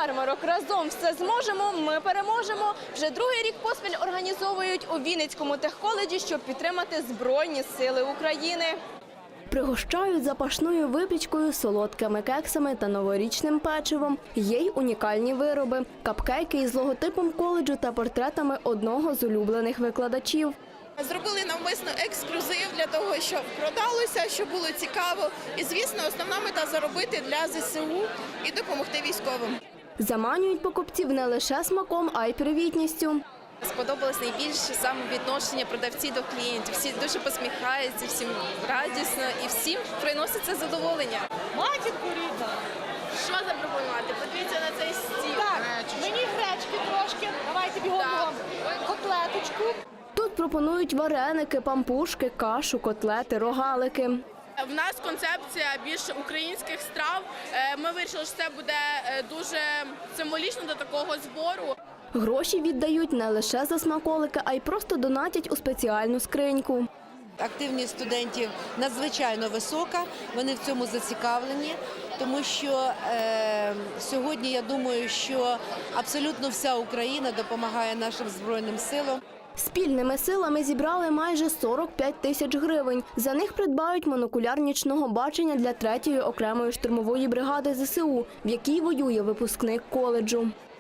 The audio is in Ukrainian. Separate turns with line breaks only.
ярмарок «Разом все зможемо, ми переможемо» вже другий рік поспіль організовують у Вінницькому техколеджі, щоб підтримати Збройні Сили України.
Пригощають запашною випічкою, солодкими кексами та новорічним печивом. Є й унікальні вироби – капкейки із логотипом коледжу та портретами одного з улюблених викладачів.
Зробили навмисно ексклюзив для того, щоб продалося, щоб було цікаво. І, звісно, основна мета – заробити для ЗСУ і допомогти військовим.
Заманюють покупців не лише смаком, а й привітністю.
Сподобалось найбільше саме відношення продавців до клієнтів. Всі дуже посміхаються, всім радісно і всім приноситься задоволення.
Матінку рідна.
Що запропонувати? Подивіться на цей стіл.
Так, мені гречки трошки. Давайте бігом котлеточку.
Тут пропонують вареники, пампушки, кашу, котлети, рогалики.
В нас концепція більш українських страв. Ми вирішили, що це буде дуже символічно до такого збору.
Гроші віддають не лише за смаколики, а й просто донатять у спеціальну скриньку.
Активність студентів надзвичайно висока, вони в цьому зацікавлені, тому що сьогодні я думаю, що абсолютно вся Україна допомагає нашим Збройним силам.
Спільними силами зібрали майже 45 тисяч гривень. За них придбають монокуляр нічного бачення для 3-ї окремої штурмової бригади ЗСУ, в якій воює випускник коледжу.